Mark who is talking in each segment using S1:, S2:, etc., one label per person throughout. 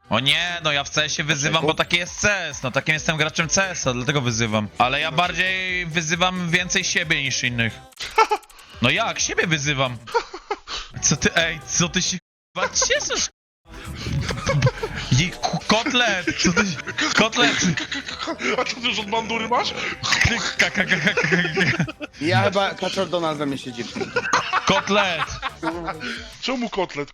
S1: O nie, no ja w CS-ie wyzywam, bo taki jest CS, no takim jestem graczem CS-a, dlatego wyzywam. Ale ja bardziej wyzywam więcej siebie niż innych. No jak? Siebie wyzywam. Co ty się k***a cieszysz? Kotlet! Co ty... Kotlet!
S2: A co ty już od bandury masz?
S3: Ja chyba Kaczor Donald we mnie siedzi.
S1: Kotlet!
S2: Czemu kotlet?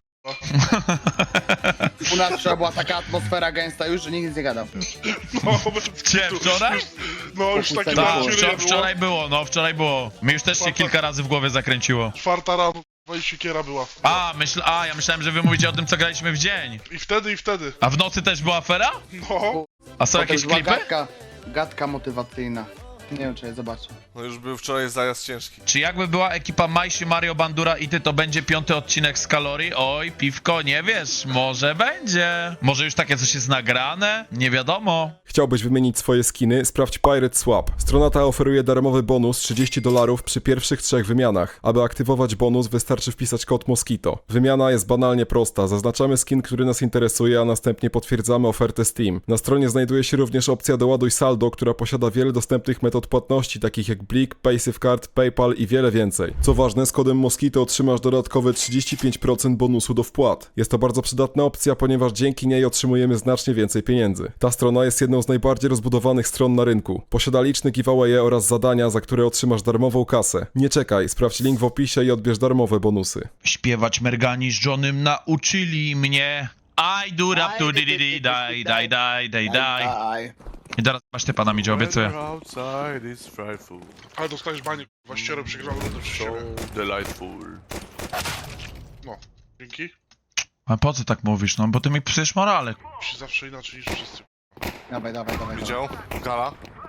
S3: U nas wczoraj była taka atmosfera gęsta już, że nikt nic nie gadał.
S2: No,
S1: Cię, wczoraj?
S2: No już takie
S3: Tak,
S1: Tak,
S2: bardziej
S1: wczoraj było. Mi już też się kilka razy w głowie zakręciło.
S2: 4 rano, i siekiera była.
S1: Ja myślałem, że wy mówicie o tym, co graliśmy w dzień.
S2: I wtedy.
S1: A w nocy też była afera?
S2: No.
S1: A są
S3: Potem
S1: jakieś
S3: była
S1: klipy?
S3: gadka motywacyjna. Nie wiem, czy je zobaczę.
S4: No już był wczoraj zajazd ciężki.
S1: Czy jakby była ekipa Majsi, Mario, Bandura i ty, to będzie 5. odcinek z Kalorii? Oj, piwko, nie wiesz, może będzie. Może już takie coś jest nagrane? Nie wiadomo.
S5: Chciałbyś wymienić swoje skiny? Sprawdź Pirate Swap. Strona ta oferuje darmowy bonus $30 przy pierwszych 3 wymianach. Aby aktywować bonus, wystarczy wpisać kod Mosquito. Wymiana jest banalnie prosta. Zaznaczamy skin, który nas interesuje, a następnie potwierdzamy ofertę Steam. Na stronie znajduje się również opcja Doładuj saldo, która posiada wiele dostępnych metod płatności, takich jak Blik, PaySafeCard, PayPal i wiele więcej. Co ważne, z kodem Mosquito otrzymasz dodatkowe 35% bonusu do wpłat. Jest to bardzo przydatna opcja, ponieważ dzięki niej otrzymujemy znacznie więcej pieniędzy. Ta strona jest jedną z najbardziej rozbudowanych stron na rynku. Posiada liczne giveawaye oraz zadania, za które otrzymasz darmową kasę. Nie czekaj, sprawdź link w opisie i odbierz darmowe bonusy.
S1: Śpiewać Mergani z Johnem nauczyli mnie. I do rap to di di die.
S3: Aj.
S1: I teraz masz ty pana mi obiecuję.
S4: Weather outside is frightful,
S2: Ale dostajesz banie, kurwa, ścierę przegrał rundę przy
S4: so
S2: siebie.
S4: delightful.
S2: No, dzięki.
S1: A po co tak mówisz, no? Bo ty mi psujesz morale.
S2: Musi zawsze inaczej niż wszyscy.
S3: Dawaj.
S4: Widział? Gala?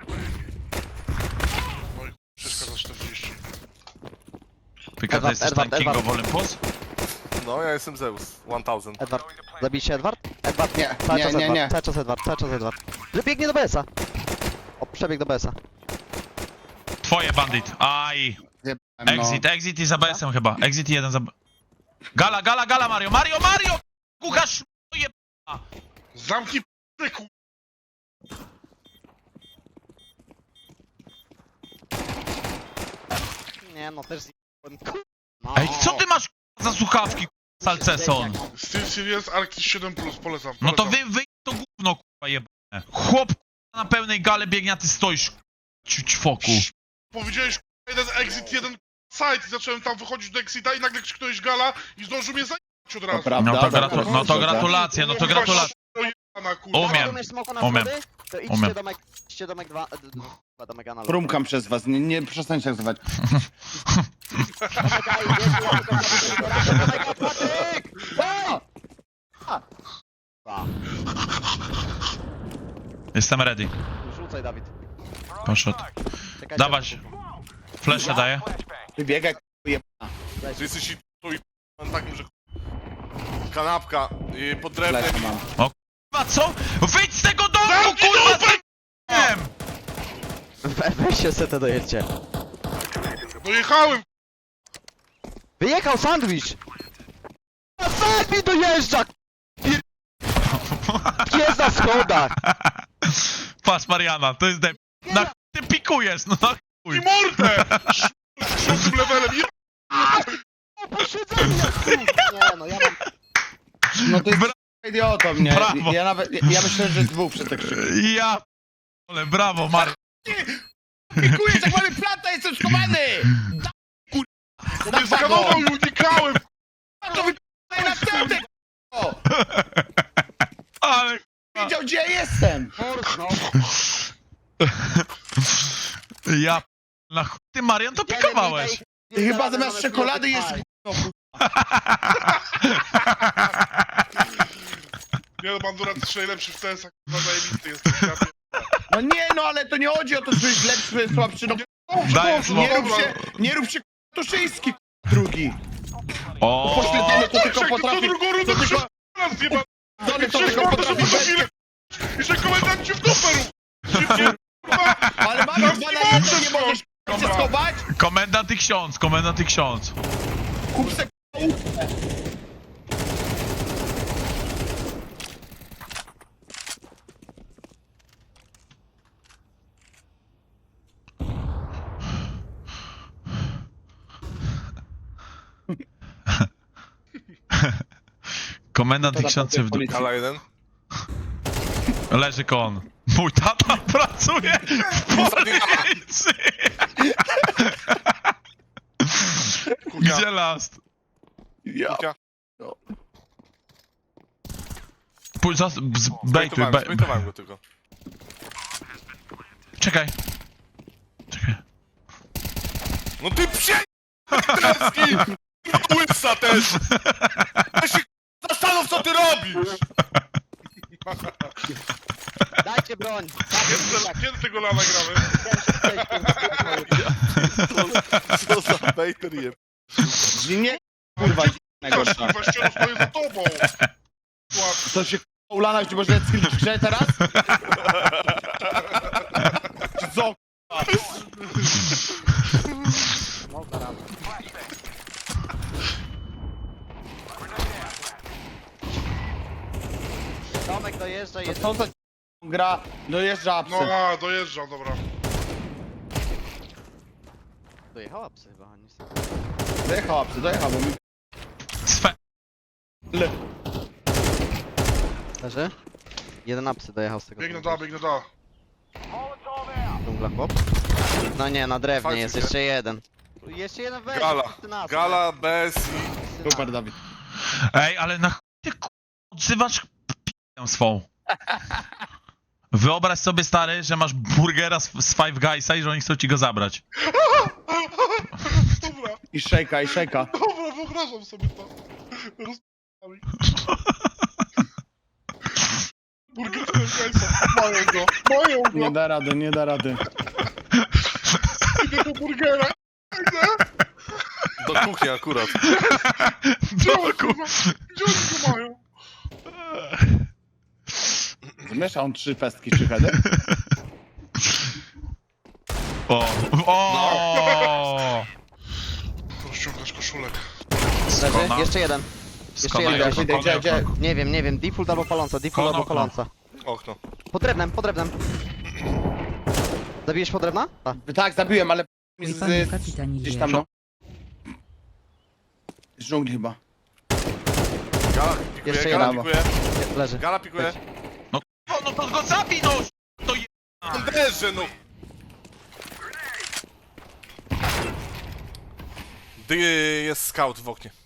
S2: No i wszystko za 40.
S1: Pika, ty jesteś ten King of Olympus?
S4: No, ja jestem Zeus. 1000.
S6: Edward. Zabij się Edward? Edward,
S3: Nie,
S6: cały
S3: nie,
S6: czas
S3: nie,
S6: Edward,
S3: nie.
S6: cały czas Edward. Biegnie do BS-a. O, przebieg do BS-a.
S1: Twoje bandit. Aj.
S3: Zjebałem, no.
S1: Exit i za BS-em chyba. Exit i jeden za... Gala, Mario! Mario! Kuchasz je...
S2: Zamknij p***y, kurwa.
S6: Nie no, też zjebałem. No.
S1: Ej, co ty masz za słuchawki, Salceson?
S2: Steel Series Arctis 7 Plus, polecam.
S1: No to wy to gówno, kurwa jebane. Chłop na pełnej gale biegnie, a ty stoisz, ćwoku.
S2: Powiedziałeś, kurwa, jeden exit, jeden site i zacząłem tam wychodzić do exita i nagle krzyknąłeś gala i zdążył mnie zajebać od razu.
S3: prawda,
S1: No to gratulacje, no to gratulacje.
S2: Jebana, kurwa.
S1: Umiem.
S6: Rozumiesz smoka na
S1: Umiem.
S6: schody? To
S1: Umiem.
S6: idźcie domek 2, domek analog.
S3: Prumkam przez was, nie przestańcie tak zwać.
S1: Jestem ready.
S6: Rzucaj, Dawid.
S1: Poszedł.
S6: Czekajcie.
S1: Dawać. Flesze daję.
S3: Wybiegaj,
S4: Ty jesteś i tu i takim, że... Kanapka pod drewnem.
S3: lecę mam.
S1: Kurwa, co? Wyjdź z tego domu, kurwa! z***em!
S6: Weź się setę dojedźcie.
S2: Dojechałem,
S6: Wyjechał sandwich! A sandwich dojeżdża! Jest na schodach!
S1: Patrz, Mariana, to jest dep... Na chuj ty pikujesz, no na
S2: i
S1: chuj.
S2: mordę! Z tym levelem,
S6: Posiedzenie! Nie no, ja mam...
S3: No to jest idiotą, nie?
S1: Brawo.
S3: Ja myślę, że dwóch przy tak krzyku.
S1: Ja... Ale brawo, Mario.
S3: Pikuję, jak mamy planta, jestem schowany!
S2: nie skanował i unikałem!
S3: To wypij następny, k***o!
S1: Ale...
S3: Wiedział, gdzie ja jestem!
S6: No.
S1: Ja... Na chuj ty, Marian, to pikowałeś.
S3: Ty chyba zamiast czekolady jest gówno,
S2: Nie no, Bandura, ty jesteś najlepszy w CS-ach, kurwa, zajebisty jesteś. Ja pierdolę.
S3: No nie, no ale to nie chodzi o to, że jest lepszy, słabszy, no
S1: Daję
S3: nie rób się Tuszyński, drugi.
S1: O.
S3: Pośledzony to
S2: Jak
S3: tylko
S2: to
S3: potrafi,
S2: drugą rundę
S3: to tylko,
S2: raz zjebany!
S3: pośledzony to tylko potrafi bez...
S2: I że komendant ci w dupę rób! Szybciej, kurwa!
S3: Ale mamy 2 na 1, nie możesz się schować?
S1: Komendant i ksiądz.
S3: Kup se
S1: Komendant
S3: To
S1: i ksiądz w dół.
S3: policji.
S4: Gala jeden.
S1: Leży kon. Mój tata pracuje w policji. Gdzie last?
S3: Ja.
S4: Kuchnia.
S1: Pójdź, bejtuj,
S4: Zbejtowałem go tylko.
S1: Czekaj. Czekaj.
S4: No ty psie... Treski! Łysa też! Ja się zastanów, co ty robisz!
S6: Dajcie broń!
S2: Kiedy tego lana gramy?
S4: Co za bejter je...
S3: Nie, kurwa, najgorsza.
S2: Kurwa, ściano stoję za tobą.
S3: Co się ulana, czy może skill w grze teraz? Czy co?
S6: Tomek dojeżdża,
S3: To
S6: jedzie.
S3: co za gra? Dojeżdża
S2: No
S3: apsy.
S2: a, dojeżdżam, dobra.
S6: Dojechała psy chyba, nic.
S3: Dojechał apsy, dojechał, bo mi...
S1: Swe...
S3: Le.
S6: Leży? Jeden apsy dojechał z tego.
S2: Biegnę da, biegnę da.
S6: Dżungla chłop. No nie, na drewnie
S4: Fajnie,
S6: jest
S4: nie?
S6: jeszcze jeden. Jeszcze jeden weź.
S4: Gala.
S6: wszyscy nas,
S4: Gala bez i...
S3: Super, Dawid.
S1: Ej, ale na chuj ty odzywasz p***ę swą. Wyobraź sobie, stary, że masz burgera z Five Guysa i że oni chcą ci go zabrać.
S2: Dobra,
S3: I szejka, i szejka.
S2: dobra, wyobrażam sobie to. Rozp***ami. Burger Gajsa, mają go, mają
S3: Nie
S2: go.
S3: da rady, nie da rady.
S2: Idę do burgera. Idę.
S4: Do kuchni akurat.
S2: Gdzie oni go mają?
S3: Zmiesza on 3 pestki, 3 heady.
S1: O! O!
S2: Rozciągasz koszulek.
S6: Leży?
S1: Skona.
S6: Jeszcze jeden. Jeszcze jeden.
S1: Skona,
S3: Idę, idę, idę.
S6: Nie wiem, default albo paląca, default
S1: Kono,
S6: albo
S1: kono.
S6: paląca.
S4: Okno.
S6: Pod drewnem, pod drewnem. Zabijesz pod drewna? Tak.
S3: Tak, zabiłem, ale...
S7: Panie kapitanie
S3: Gdzieś tam, no. Z dżungli chyba.
S4: Gala pikuje,
S6: Jeszcze
S4: gala
S3: jeden.
S4: pikuje.
S6: Leży.
S4: Gala pikuje.
S1: No to go zabij, no! To je...
S4: Anderze, no! Jest scout w oknie.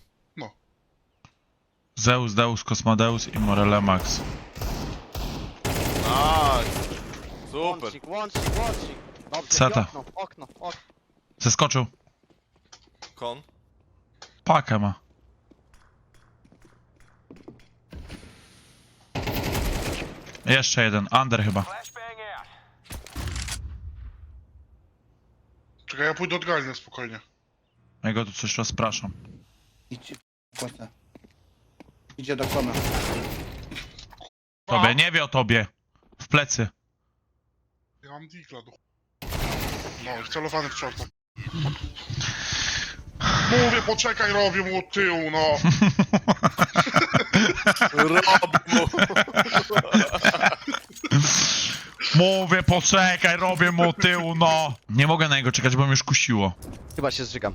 S1: Zeus, Deus, Kosmodeus i Morele Max.
S4: Nice. Super.
S6: Łącznik, łącznik, łącznik. Dobrze,
S1: Ceta.
S6: i okno.
S1: Zeskoczył.
S4: Kon.
S1: Pakę ma. Jeszcze jeden, under chyba.
S2: Czekaj, ja pójdę od Galny spokojnie.
S1: Ja go tu coś rozpraszam.
S3: Idź, płacę. Idzie do kona.
S1: Tobie, nie wie o tobie. W plecy.
S2: Ja mam digla do no, wcelowany w czorta. Mówię, poczekaj, robię mu od tyłu, no.
S4: Robi mu.
S1: Mówię, poczekaj, robię mu tyłu, no. Nie mogę na niego czekać, bo mnie już kusiło.
S6: Chyba się zżygam.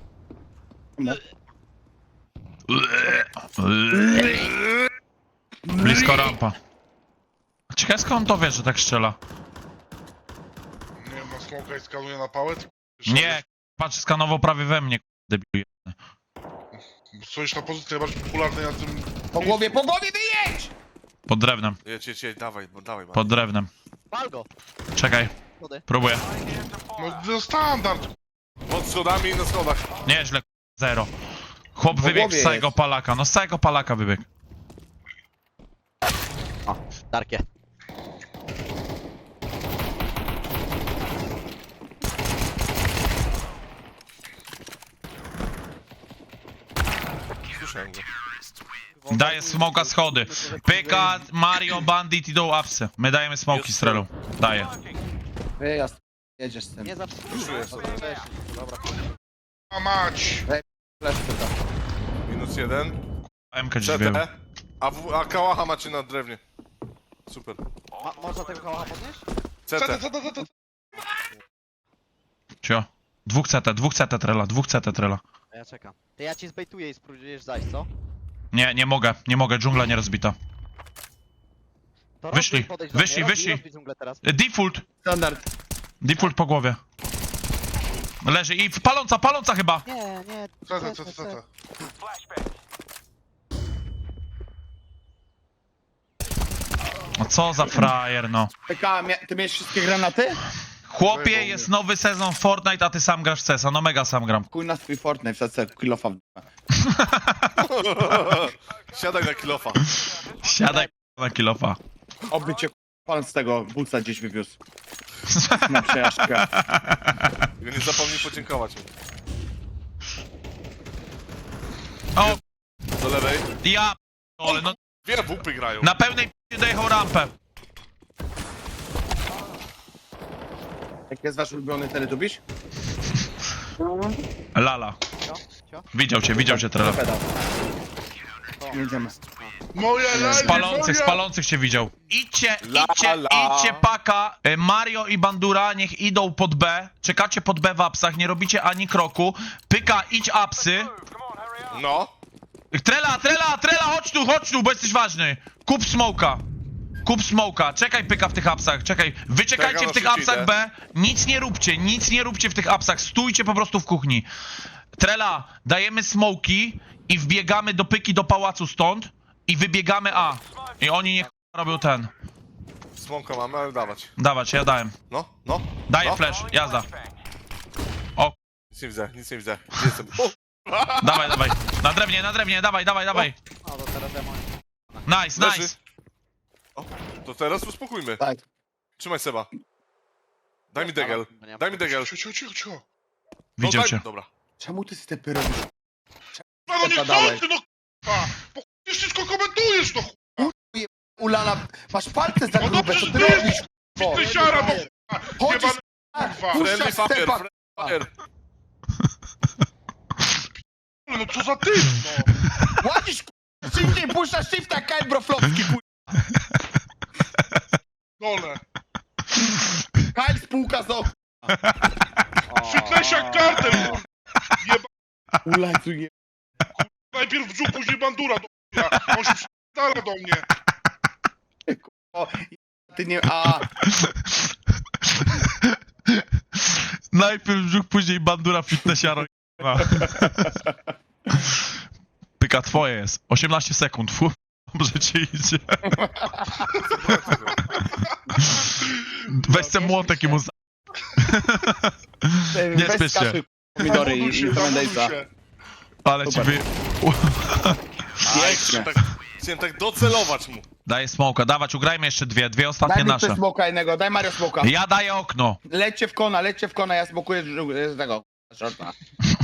S1: Blisko rampa. Ciekawe skąd on to wie, że tak strzela.
S2: Nie wiem, na smoka i skanuje na pałę. ty
S1: Nie, patrz, skanował prawie we mnie, debil.
S2: Stoisz na pozycji najbardziej popularnej na tym...
S3: Po głowie wyjedź!
S1: Pod drewnem,
S4: Jedź, dawaj.
S1: pod drewnem.
S6: Pal go.
S1: Czekaj,
S6: Schody.
S1: próbuję.
S2: No, to standard.
S4: Pod schodami i na schodach.
S1: Nieźle, zero. Chłop wybiegł
S3: głowie
S1: z całego
S3: jest.
S1: palaka, no z całego palaka wybiegł.
S6: O, Darkie.
S4: Słyszałem go.
S1: Daję smoka schody. Pyka, Mario, Bandit idą apsy. My dajemy smoki strelą. Daję.
S3: Wyjazd. Jedziesz z tym.
S6: Nie zatrzymuj. Dobra.
S2: A mać.
S3: Flash pyta.
S4: -1.
S1: MK drzwią.
S4: CT. A kałacha macie na drewnie. Super.
S6: Można tego kałacha podnieść?
S4: CT.
S1: Cio. Dwóch CT trela, dwóch CT trela.
S6: A ja czekam. To ja ci zbejtuję i spróbujesz zajść, co?
S1: Nie mogę, dżungla nie rozbita.
S6: To
S1: Wyszli,
S6: rozbić, podejdź do mnie,
S1: wyszli,
S6: rozbij,
S1: wyszli.
S6: rozbij dżunglę teraz.
S1: Default,
S3: Standard.
S1: default po głowie. Leży i paląca chyba.
S6: Nie.
S2: CT.
S1: No co za frajer, no.
S3: PK, ty miałeś wszystkie granaty?
S1: Chłopie, jest nowy sezon Fortnite, a ty sam grasz w CESa. No mega sam gram.
S3: Chuj na swój Fortnite, wsadzę kilofa w dupę.
S4: Siadaj na kilofa.
S1: Siadaj na kilofa.
S3: Oby cię pan z tego buca gdzieś wywiózł. Na przejażdżkę.
S4: Tylko nie zapomnij podziękować mu.
S1: O,
S4: Do lewej.
S1: ja ale no
S4: Dwie bupy grają.
S1: na pełnej p***ie dojechał rampę.
S3: Jaki jest wasz ulubiony teletubiś?
S1: Lala.
S6: Cio?
S1: Widział cię teraz.
S3: Pedał. Jedziemy.
S2: Moja lali,
S1: Spalących cię widział. Idźcie
S4: La.
S1: paka. Mario i Bandura niech idą pod B. Czekacie pod B w apsach, nie robicie ani kroku. Pyka, idź apsy.
S4: No.
S1: Trela, chodź tu, bo jesteś ważny. Kup smoka. Czekaj pyka w tych apsach, czekaj. Wyczekajcie
S4: Czekam,
S1: w tych
S4: aż
S1: apsach
S4: idę.
S1: B. Nic nie róbcie w tych apsach. Stójcie po prostu w kuchni. Trela, dajemy smoki i wbiegamy do pyki do pałacu stąd i wybiegamy A. I oni niech robią ten.
S4: Słomka mamy, ale dawać.
S1: Dawać, ja dałem.
S4: No.
S1: Daję
S4: No.
S1: flash, jazda. O,
S4: Nic nie widzę. Gdzie jestem? O!
S1: dawaj. Na drewnie, dawaj.
S6: No to teraz ja mam.
S1: Nice.
S4: Leży. O, to teraz uspokójmy.
S3: Tak.
S4: Trzymaj Seba. Daj mi degel. Daj mi degel.
S2: Cicho.
S1: Widział
S4: daj-
S1: cię.
S4: Dobra.
S3: Czemu ty stepy robisz?
S2: No nie
S3: Zadałeś.
S2: chcę, no k***a! Bo k***a, wszystko komentujesz, no k***a!
S3: Ulala, masz palce za
S2: No
S3: grube,
S2: dobrze,
S3: co
S2: że
S3: ty
S2: ty
S3: robisz?
S2: jesteś fitnessiara, no k***a!
S3: Chodź,
S2: Jebany
S3: kurwa.
S2: kurwa!
S4: Friendly
S3: Puszczaj
S4: fire,
S3: stepa.
S4: fire.
S2: No co za typ, no!
S3: Łazisz, szybciej puszczasz shifta, Kyle Broflowski,
S2: Dole!
S3: Kyle spółka z okna.
S2: Fitnessiak kartel, kurwa! Jeba...
S3: Ulaj, tu je...
S2: Najpierw brzuch, później bandura, do k***a! On się przytala do mnie!
S3: O, ty nie... A,
S1: Najpierw brzuch, później bandura fitnessiaro. Pyka twoje jest. 18 sekund. Fu, dobrze ci idzie. Weź ten młotek i mu... Nie
S3: weź
S1: spiesz się.
S3: skasuj pomidory
S2: Zawoduj się,
S3: i
S2: zawoduj
S3: Tremendejsa.
S2: się!
S1: Ale ci
S3: Super.
S1: wy...
S3: Pięknie.
S4: Chciałem tak docelować mu.
S1: Daję smoka, dawać, ugrajmy jeszcze dwie
S3: Daj
S1: ostatnie
S3: mi
S1: nasze.
S3: ktoś smoka jednego, daj Mario smoka.
S1: Ja daję okno.
S3: Lećcie w kona, ja smokuję z tego. Shorta.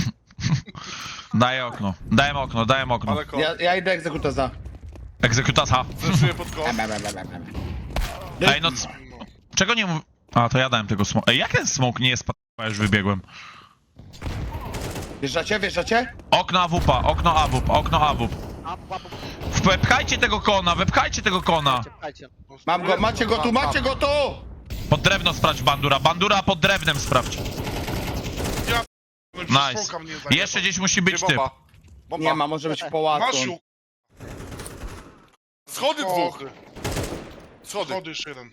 S1: Daję okno. Dałem okno.
S4: Ale ko.
S3: Ja idę egzekutoza.
S1: Egzekutasa.
S4: Zeszuję pod kąt.
S1: Ej, no... Czego nie mów... A, to ja dałem tego smoka. Ej, jak ten smok nie jest p***a, już wybiegłem.
S3: Wjeżdżacie?
S1: Okno AWP. Wepchajcie tego kona.
S6: Czekajcie.
S3: Mam go, macie go tu!
S1: Pod drewno sprawdź Bandura pod drewnem sprawdź.
S2: No i
S1: Nice.
S2: przez smoka mnie zajebał.
S1: Jeszcze gdzieś musi być
S4: Gdzie
S1: typ.
S4: bomba? Bomba.
S3: Nie ma, może być pałacu.
S2: Masz ją,
S4: Schody dwóch.
S2: schody.
S4: Schody.
S2: Schody jeszcze jeden.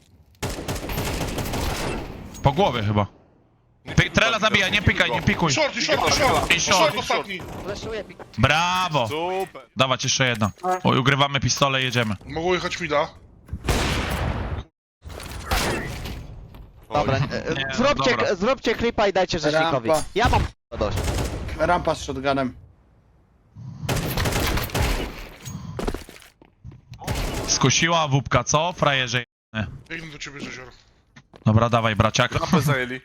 S1: Po głowie chyba. Trela zabija, nie pikuj.
S2: Short.
S1: I short.
S2: Short ostatni.
S6: Fleszuję pik.
S1: Brawo.
S4: Super.
S1: Dawać jeszcze jedna. Oj, ugrywamy pistole i jedziemy.
S2: Mogło jechać mida.
S6: Dobra,
S1: dobra.
S6: zróbcie klipa i dajcie rzecznikowi.
S3: Rampa.
S6: Ja mam dość.
S3: Rampa z shotgunem.
S1: Skusiła AWP, co? Frajerze.
S2: Biegnę do ciebie, Rzezior.
S1: Dobra, dawaj braciak.
S4: Rampę zajęli.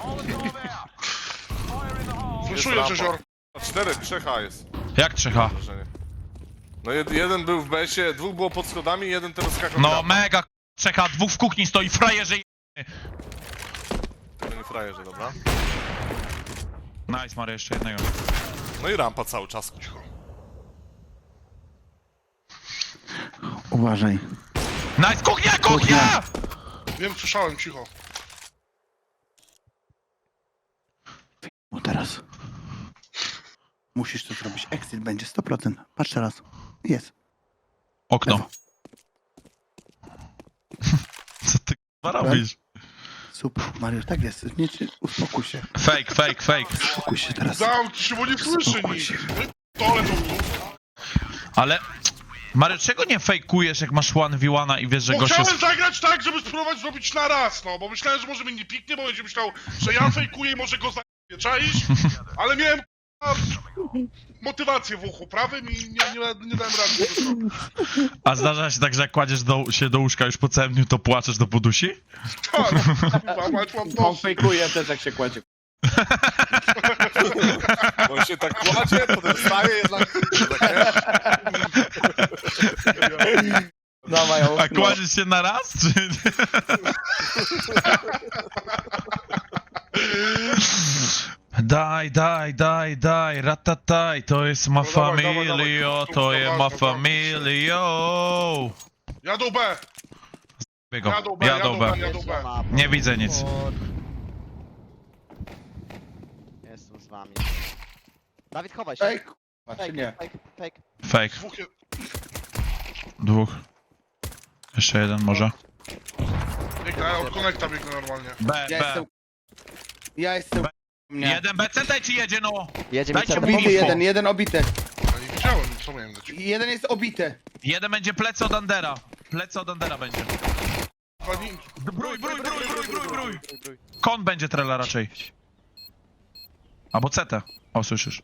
S2: Fleszuję,
S4: rampa.
S2: Rzezior.
S4: 4, 3H jest.
S1: Jak 3H?
S4: Wrażenie. No jeden był w besie, dwóch było pod schodami, jeden teraz skakał.
S1: No mega 3H, dwóch w kuchni stoi, frajerze.
S4: To nie frajerze, dobra.
S1: Nice, Mario, jeszcze jednego.
S4: No i rampa cały czas.
S3: Uważaj.
S1: Nice, kuchnia!
S2: Wiem, słyszałem, cicho.
S3: O teraz.
S7: Musisz to zrobić. Exit będzie 100%. Patrz teraz. Jest.
S1: Okno. Co ty k***a robisz?
S7: Super. Mariusz, tak jest. Nie, uspokój się.
S1: Fake, fake, fake.
S7: Uspokój się teraz.
S2: Zamknij się, bo nie słyszy
S7: Uspokój
S2: nic.
S7: się.
S2: Tole to
S1: Ale... Mario, czego nie fejkujesz, jak masz 1v1 i wiesz, że
S2: Bo
S1: gość jest...
S2: chciałem zagrać tak, żeby spróbować zrobić na raz, no, bo myślałem, że może mnie nie piknie, bo będzie myślał, że ja fejkuję i może go zajmie, czaisz? Ale miałem k***a, motywację w uchu prawym i nie dałem rady tego zrobić.
S1: A zdarza się tak, że jak kładziesz się do łóżka już po całym dniu, to płaczesz do podusi?
S2: Tak, mać mam
S3: On
S2: dosyć.
S3: fejkuje też jak się kładzie.
S4: On się tak kładzie, potem wstaje jednak...
S3: Dawaj,
S1: A
S3: okno.
S1: kładziesz się na raz, czy... Daj, ratataj, to jest ma
S2: No dawaj, dawaj,
S1: familio,
S2: dawaj,
S1: to jest ma
S2: dawaj, dawaj.
S1: familio.
S2: Jadą B,
S1: Biego,
S2: jadą B,
S1: jadą B.
S2: jadą B.
S1: Nie widzę nic.
S6: Jestem z wami. Dawid, chowaj się.
S3: Ej, k***a, czy nie?
S6: Fake, fake.
S1: Fake.
S2: Dwóch je...
S1: Dwóch. Jeszcze jeden może.
S2: Biegnę, ja od konekta biegnę normalnie.
S1: B,
S3: Ja
S1: B.
S3: jestem... Ja jestem... Nie.
S1: Jeden B, CT ci jedzie, no!
S6: Jedzie mi
S1: Dajcie
S6: CT.
S1: mu
S3: Obity
S1: info.
S3: jeden obity.
S2: Ja nie widziałem, co miałem dać.
S3: Jeden jest obity.
S1: Jeden będzie plecy od Andera. Plecy od Andera będzie.
S2: Pani...
S1: Brój. Kon będzie trela raczej. Albo CT. O, słyszysz.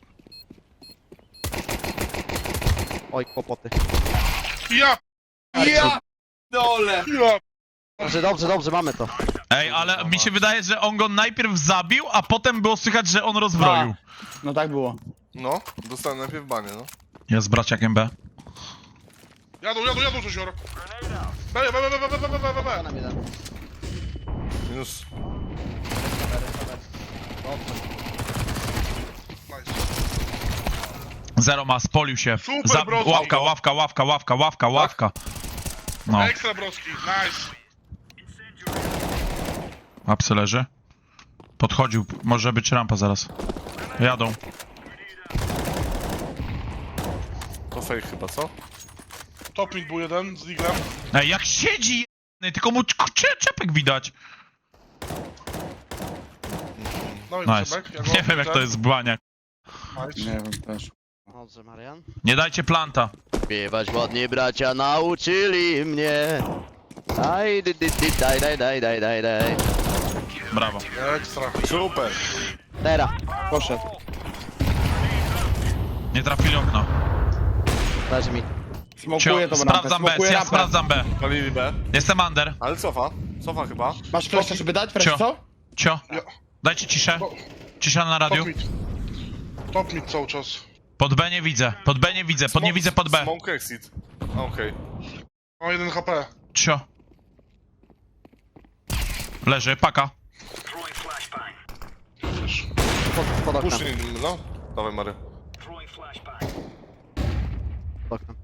S6: Oj, kłopoty.
S2: Ja,
S3: Ja! Dole!
S2: ja...
S6: Dobrze, mamy to.
S1: Ej, ale mi się wydaje, że on go najpierw zabił, a potem było słychać, że on rozbroił.
S3: No tak było.
S4: No, dostałem najpierw banie, no.
S1: Jest z braciakiem B.
S2: Jadą, coś joro. B.
S6: Nam jeden.
S4: Minus...
S2: Nice.
S1: Zero ma, spolił się.
S2: Super, bro.
S1: Ławka. No,
S2: Ekstra broski, nice.
S1: apsy leży. Podchodził, może być rampa zaraz. Jadą.
S4: To fake chyba, co?
S2: Top mid był jeden z Diglem.
S1: Ej, jak siedzi jebany, tylko mu czepek widać.
S2: No i
S1: Nice.
S2: Czebek, ja go
S1: Nie wiem jak to jest błania.
S2: Nice.
S3: Nie wiem też.
S6: Dobrze, Marian.
S1: Nie dajcie planta.
S6: Śpiewać ładnie bracia nauczyli mnie. Daj.
S1: Brawo.
S2: Ekstra.
S4: Super!
S6: Teraz.
S3: Poszedł.
S1: Nie trafili okno.
S6: Leży mi.
S3: Smokuję tą rampę,
S1: Sprawdzam B,
S3: smokuję
S1: ja
S3: rampę.
S1: sprawdzam B.
S4: Palili B.
S1: Jestem under.
S4: Ale cofa chyba.
S3: Masz flasha, żeby dać? Flash,
S1: Cio.
S3: co?
S1: Cio. Dajcie ciszę. Cisza na radiu.
S2: Top mid cały czas.
S1: Pod B nie widzę. Nie widzę pod B.
S4: Smoke exit. A, okej.
S2: Ma 1 HP.
S1: Cio. Leży, paka.
S6: Pod oknem.
S4: Puszczę, no. Dawaj, Mary.
S6: Pod oknem.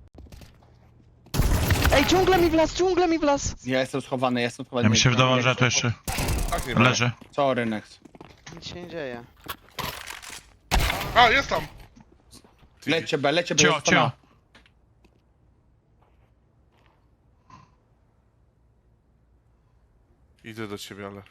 S6: Ej, ciągle mi wlazł.
S3: Ja jestem schowany.
S1: Ja mi się wydawało, że to jeszcze
S4: Tak, nie Mary.
S1: leży.
S3: Sorry, next.
S6: Nic się nie dzieje.
S2: A, jest tam.
S3: Lecie B,
S1: Cio.
S3: jest pana.
S4: Idę do ciebie, ale...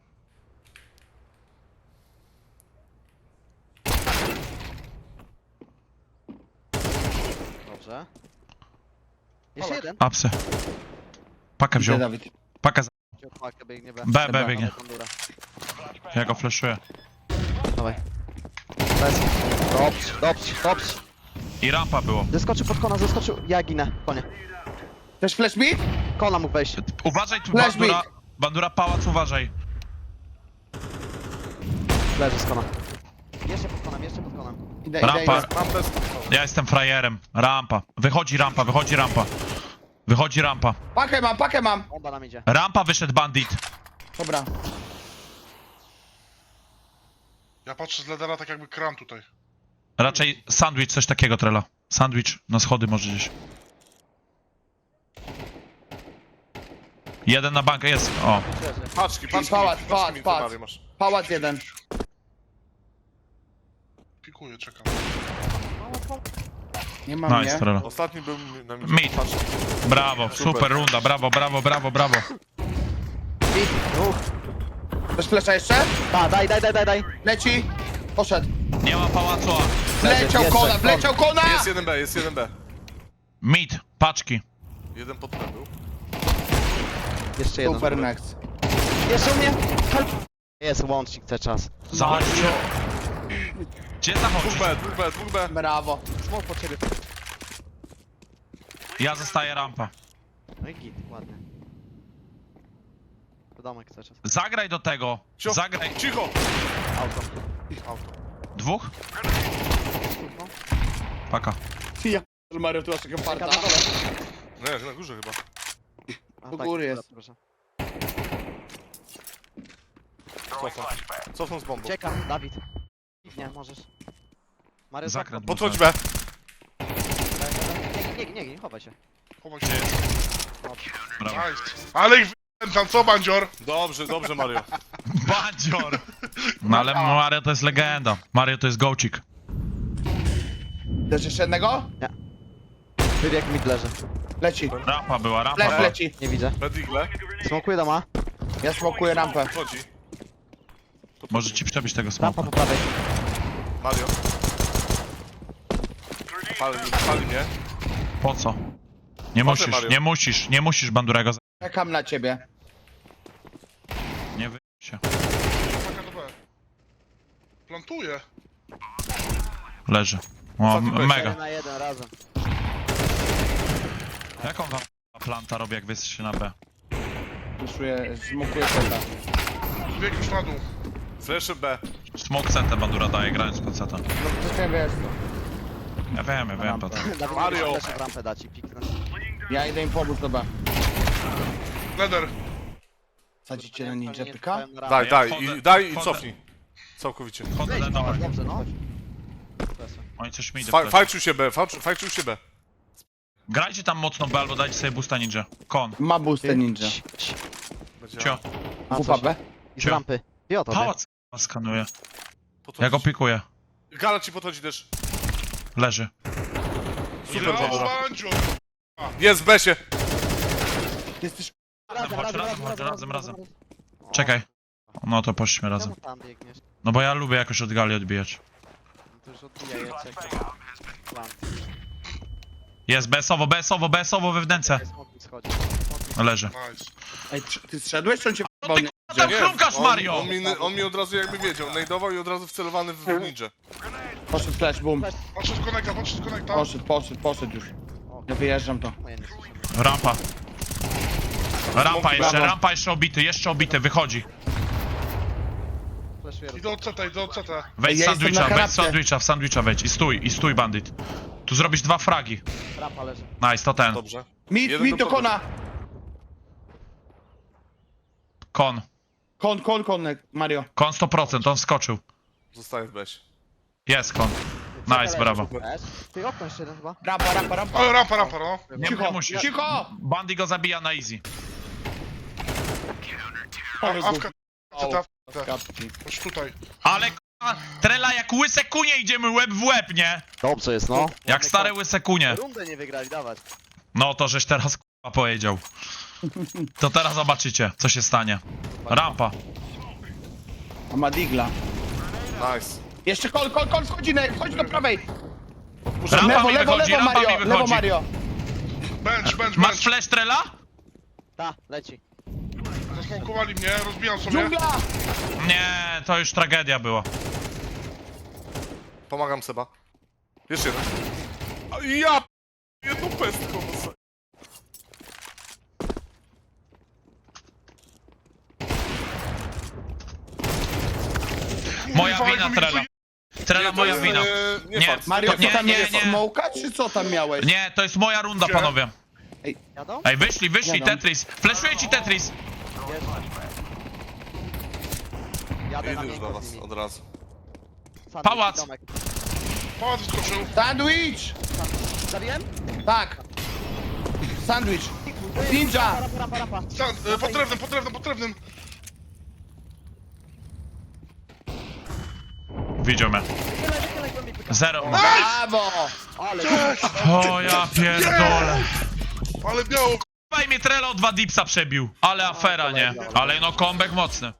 S6: Dobrze. Jeszcze jeden.
S1: Apsy. Pakę
S3: Gdzie
S1: wziął.
S3: Dawid?
S1: Pakę za...
S6: Paka biegnie B.
S1: B biegnie.
S6: Kondura.
S1: Ja go flashuję.
S6: Dawaj. Bez. Dobrze.
S1: I rampa było.
S6: Zeskoczył pod kona, Ja ginę. Konie.
S3: Też flash mid?
S6: Kona mógł wejść.
S1: Uważaj tu,
S3: Flash
S1: bandura. Bandura pałac, uważaj.
S6: Leży z kona. Jeszcze pod konem.
S3: Idę.
S1: Rampa.
S4: Mam bez...
S1: Ja jestem frajerem. Rampa. Wychodzi rampa.
S3: Pakę mam.
S6: Bomba nam idzie.
S1: Rampa wyszedł bandit.
S3: Dobra.
S2: Ja patrzę z ledera tak jakby kran tutaj.
S1: Raczej sandwich, coś takiego, Trela. Sandwich na schody może gdzieś. Jeden na bankę jest. O.
S4: Paczki,
S3: Pałac,
S4: mi
S3: pałac.
S4: Mary masz.
S3: Pałac jeden.
S2: Pikuję, czekam.
S3: Nie mam
S1: Nice,
S3: mnie.
S1: Trela.
S4: Ostatni był na mnie.
S1: Mid. Brawo, super runda, brawo, brawo, brawo, brawo.
S3: Chcesz flesza jeszcze?
S6: Daj.
S3: Leci. Poszedł.
S1: Nie ma pałacu.
S3: Wleciał
S6: Jeszcze.
S3: kona, wleciał kona!
S4: Jest 1B, jest 1B.
S1: Mid, paczki.
S4: Jeden pod B był.
S6: Jeszcze jeden.
S3: Super next.
S6: Jeszcze u mnie. Help. Jest łącznik cały czas.
S1: Zachodźcie. Gdzie zachodzić?
S4: 2B.
S3: Brawo.
S6: Smok po ciebie.
S1: Ja zostaję rampa.
S6: No i git, ładnie. To domek cały czas.
S1: Zagraj do tego.
S4: Cicho,
S1: Zagraj.
S4: cicho!
S6: Auto.
S1: Dwóch?
S6: No.
S1: Paka.
S3: Ja Mario, tu masz taką
S6: Czeka
S3: parta.
S6: na dole.
S4: Nie, na górze chyba.
S6: A,
S3: Do
S6: tak,
S3: góry
S6: dobra,
S3: jest.
S6: proszę.
S4: Cofam z bombą.
S6: Czeka, Dawid. Nie, możesz. Mario,
S1: Zakręt.
S4: Podchodź B.
S6: Nie, chowaj się.
S2: Chowaj się.
S1: Brawo.
S2: Nice. Ale ich tam, co, bandzior?
S4: Dobrze, Mario.
S1: Bandzior! No ale Mario to jest legenda. Mario to jest gołcik.
S3: Też jeszcze jednego?
S6: Wybieg mid leży.
S3: Leci.
S1: Rampa była, rampa
S3: Flash
S1: była.
S3: leci.
S6: Nie widzę.
S4: Red Eagle.
S6: Smokuję doma.
S3: Ja smokuję rampę.
S4: Wchodzi.
S1: Może ci przebić tego
S6: Rampa
S1: smoka.
S6: po prawej.
S4: Mario. Pali mnie.
S1: Po co? Nie
S4: Proszę,
S1: musisz,
S4: Mario.
S1: nie musisz Bandurego.
S3: Czekam na ciebie.
S1: Nie wy się.
S2: Uwaga do B. Plantuję.
S1: Leży. O,
S4: Ostatni
S1: mega.
S6: 1 na 1 razem.
S1: Jaką wam planta robi, jak wy jesteście na B?
S3: Wyszuję, smokuję seta.
S2: Bieg już na dół.
S4: Flesze B.
S1: Smoke setę Bandura daje, grając konceta.
S3: No to nie wiesz co.
S1: Ja wiem, to.
S6: Dawid,
S4: Mario.
S6: Mario. w rampę dać i piknę.
S3: Ja idę im pomóc, dobra.
S2: Leder.
S3: Sadzicie na ninja pyka?
S4: Daj,
S1: Ja
S4: daj
S1: wchodzę-
S4: i
S1: wchodzę.
S4: cofnij. Całkowicie.
S1: Chodzę do domu.
S6: Dobrze, no.
S1: Oni coś mi idą.
S4: Fajczył się B, fajczył się B.
S1: Grajcie tam mocno B albo dajcie sobie boosta ninja. Kon.
S3: Ma boostę ninja.
S1: Cio.
S3: WPB?
S6: I z rampy. I o to.
S1: Pałac skanuje.
S4: Podchodzi.
S1: Ja go pikuję.
S4: Gala ci podchodzi też.
S1: Leży.
S4: Super,
S2: Ja,
S4: Bandura.
S2: bandzior.
S4: Jest w besie.
S3: Jesteś...
S1: Razem. Czekaj. No to poszliśmy razem.
S6: Czemu tam biegniesz?
S1: No bo ja lubię jakoś od gali odbijać.
S6: No to już odbijaj, ja czekam. Plant.
S1: Jest BS-owo we wnęce.
S6: Smok mi schodzi.
S1: Leży.
S2: Nice.
S3: Ej, ty zszedłeś, czy on cię
S1: No ty
S3: p***ał?
S1: tam chrumkasz, Mario!
S4: On mi od razu jakby wiedział. Najdował i od razu wcelowany w ninja.
S3: Poszedł flash, boom.
S2: Podszedł z konekta.
S3: Poszedł już. Ja wyjeżdżam to.
S6: No ja nie słyszę.
S1: Rampa.
S3: Brawo.
S1: Rampa jeszcze obity, wychodzi.
S6: Flashuję.
S2: Idę od CT.
S1: Wejdź
S3: Ja
S1: z
S3: jestem na
S1: sandwicha,
S3: kanapie.
S1: w sandwicha wejdź i stój bandit. Tu zrobisz 2 fragi.
S6: Rampa leży.
S1: Nice, to ten.
S4: Dobrze.
S3: Mid
S4: Jeden
S3: do
S4: do
S3: kona.
S1: Kon.
S3: Kon, Mario.
S1: Kon 100%, on wskoczył.
S4: Zostaje w besie.
S1: Jest kon. Nice, brawo.
S6: Ty okno jeszcze jeden chyba.
S3: Rampa.
S2: Ale rampa, no.
S1: Nie musisz.
S3: Cicho!
S1: Bandy go zabija na easy.
S2: Awka. CT.
S3: Kapki.
S2: Chodź tutaj.
S1: Ale k***a, Trela jak łyse kunie idziemy łeb w łeb, nie?
S6: Dobrze jest, no.
S1: Jak stare łyse kunie.
S6: Rundę nie wygrali, dawać.
S1: No to żeś teraz k***a powiedział. To teraz zobaczycie, co się stanie. Rampa.
S3: A ma digla.
S4: Nice.
S3: Jeszcze kon, chodź do prawej.
S1: Rampa mi
S3: Lewo,
S1: wychodzi, rampa mi
S3: Lewo,
S1: wychodzi.
S3: Mario.
S2: Bench.
S1: Masz flash Trela?
S6: Ta, leci.
S2: Zasmokowali mnie, rozbijam sobie.
S3: Dżungla!
S1: Nie, to już tragedia była.
S4: Pomagam Seba. Jeszcze jeden. A ja jedną pestką.
S1: Moja
S2: Kurwa,
S1: wina
S2: jak mi
S1: Trela. Trela moja wina.
S4: Nie
S1: Nie.
S4: fart.
S3: Mario,
S1: Nie,
S3: co tam
S1: nie,
S3: jest?
S1: nie.
S3: Smoka, czy co tam miałeś?
S1: Nie, to jest moja runda,
S2: Gdzie?
S1: panowie.
S6: Jadą?
S1: Ej, wyszli,
S3: Jadą.
S1: Tetris. Fleszuję ci Tetris.
S6: Jadę na
S4: Idę już do
S6: miękko
S4: was
S6: z nimi.
S4: od razu.
S6: Sandwich,
S1: Pałac.
S6: domek.
S2: Pałac wyskoczył.
S3: Sandwich!
S6: Zabiłem?
S3: Tak. Sandwich. Ninja!
S6: Rampa.
S2: Pod drewnem.
S1: Widział mnie.
S6: Wychylaj, głębiej pyka.
S1: Zero.
S3: Brawo!
S1: O ja pierdolę.
S2: Ale biało,
S1: Faj mnie Trello 2 dipsa przebił. Ale afera, nie? Ale no comeback mocny.